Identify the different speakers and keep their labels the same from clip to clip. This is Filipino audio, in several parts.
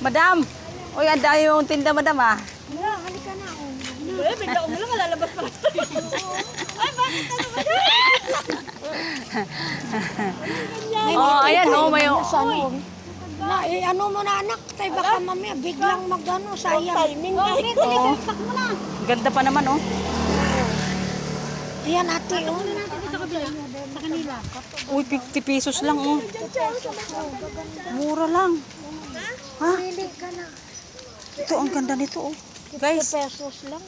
Speaker 1: Madam! Uy, ang dami mong tinda, madam ah.
Speaker 2: Wala, halika na.
Speaker 3: Bigla ko mo lang, lalabas pa. Ay, bakit ano ba yan?
Speaker 1: Oh, ayan oh, may
Speaker 2: Na, ano mo na anak, tayo baka mamaya biglang magano, sayang.
Speaker 3: Timing na.
Speaker 1: Oh.
Speaker 2: Mo na.
Speaker 1: Ganda pa naman oh.
Speaker 2: Ayan ate, oh.
Speaker 3: Sa kanila.
Speaker 1: Uy, 50 pesos lang oh. Mura lang. Ha?
Speaker 2: Pili ka na.
Speaker 1: Ito, ang ganda nito oh.
Speaker 2: 50
Speaker 1: Guys,
Speaker 2: pesos lang.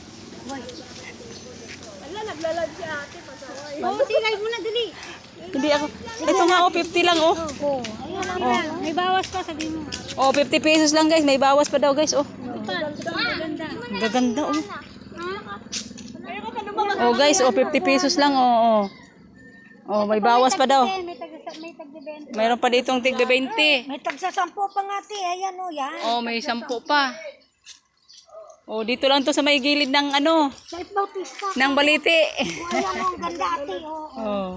Speaker 3: Ala, naglalag si ate. Pasaway. Oo, silay mo na, dali.
Speaker 1: hindi ako. Ito nga oh, 50 lang oh.
Speaker 2: Oh, ayan ang
Speaker 3: May bawas pa, sabi mo.
Speaker 1: Oh, 50 pesos lang guys. May bawas pa daw guys oh.
Speaker 3: Maganda.
Speaker 1: Ang gaganda oh.
Speaker 3: Ayaw ko pa lumabas.
Speaker 1: Oh guys, oh 50 pesos lang oh. Oh, oh may bawas pa daw.
Speaker 3: May tag-20.
Speaker 1: Mayroon pa ditong tigbe 20.
Speaker 2: may tagsa 10 pa nga ate, ayan oh, yan.
Speaker 1: Oh, may 10 pa. Oh, dito lang to sa may gilid ng ano,
Speaker 2: Sa Bautista.
Speaker 1: ng baliti.
Speaker 2: Ayan oh, ang ganda ate, oh.
Speaker 1: Oh.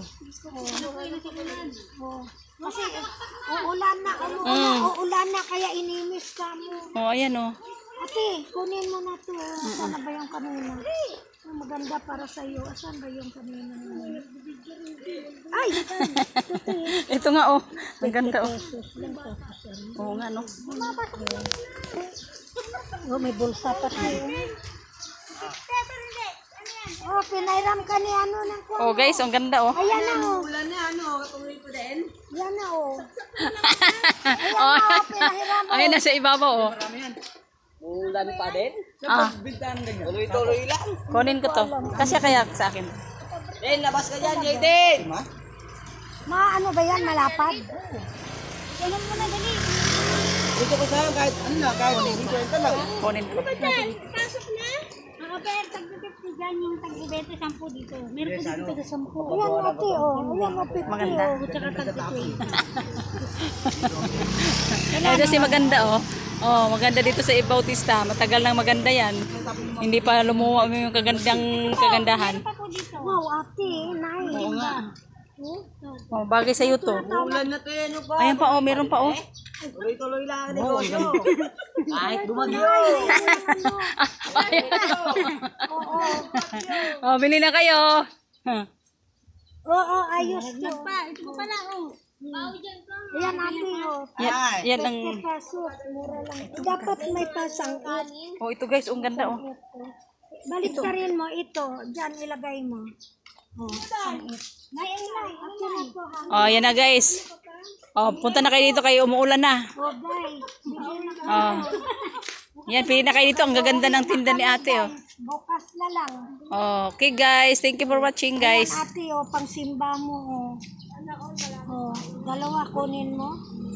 Speaker 2: Oh. Kasi uulan na, uulan na kaya inimis ka mo.
Speaker 1: Oh, ayan oh.
Speaker 2: Ate, kunin mo na to. Saan na ba yung kanina? Oh, maganda para sa iyo. Saan ba yung kanina? Ay!
Speaker 1: Ito nga oh. Ang ganda oh. Oo nga no.
Speaker 2: Oh, may bulsa pa tayo. Oh, pinairam ka ni ano ng kuwan.
Speaker 1: Oh guys, ang ganda oh.
Speaker 2: Ayan na oh.
Speaker 3: Ulan na, ano, tuloy ko din.
Speaker 2: Yan na oh.
Speaker 1: Oh.
Speaker 2: Pinahiram mo.
Speaker 1: Ayun nasa ibabaw oh.
Speaker 4: Ulan pa din?
Speaker 1: Ah,
Speaker 4: Tuloy-tuloy lang.
Speaker 1: kunin ko to. Kasi kaya sa akin.
Speaker 4: Eh, labas ka dyan, Jaden!
Speaker 2: Ano ba yan? Malapad?
Speaker 3: Ganun mo na, dali.
Speaker 4: Dito ko sa'yo kahit ano na, kahit hindi kwenta lang.
Speaker 1: Kunin ko.
Speaker 3: Pasok na. Mga per, tag-50 dyan, yung tag-20, 10 dito. Meron po dito tag-10.
Speaker 2: Ayan ate oh. Ayan oh, 50
Speaker 1: Maganda.
Speaker 2: oh.
Speaker 3: Tsaka tag-20.
Speaker 1: Ito si maganda oh. Oh, maganda dito sa Bautista. Matagal nang maganda yan. Hindi pa lumuwa yung kagandahan.
Speaker 3: Pa po dito.
Speaker 2: Wow ate, nice.
Speaker 1: Oo nga. Oh, bagay sa iyo to.
Speaker 4: Ulan na to yan, ano pa?
Speaker 1: Ayan pa oh, meron pa oh.
Speaker 4: Tuloy-tuloy lang ang negosyo. Kahit bumagyo.
Speaker 1: Oh, bili na kayo. Huh.
Speaker 2: Oo, ayos to.
Speaker 3: Ito pa pala, oh.
Speaker 2: Ayan ate oh.
Speaker 1: Yan ang
Speaker 2: 50 pesos, mura lang. Dapat may pasangkat.
Speaker 1: oh, ito guys, ang ganda oh.
Speaker 2: Balik ka rin mo ito. Diyan ilagay mo. Oh, ngayon na. Ako na po ha.
Speaker 1: Oh, yan na guys. Oh, punta na kayo dito kayo, umuulan na.
Speaker 2: Oh, guys. Bigyan na
Speaker 1: Oh. Yan, pili na kayo dito. Ang gaganda ng tinda ni ate oh.
Speaker 2: bukas na lang.
Speaker 1: Okay guys, thank you for watching guys.
Speaker 2: Ate, oh, pang simba mo, oh. Oh, dalawa kunin mo.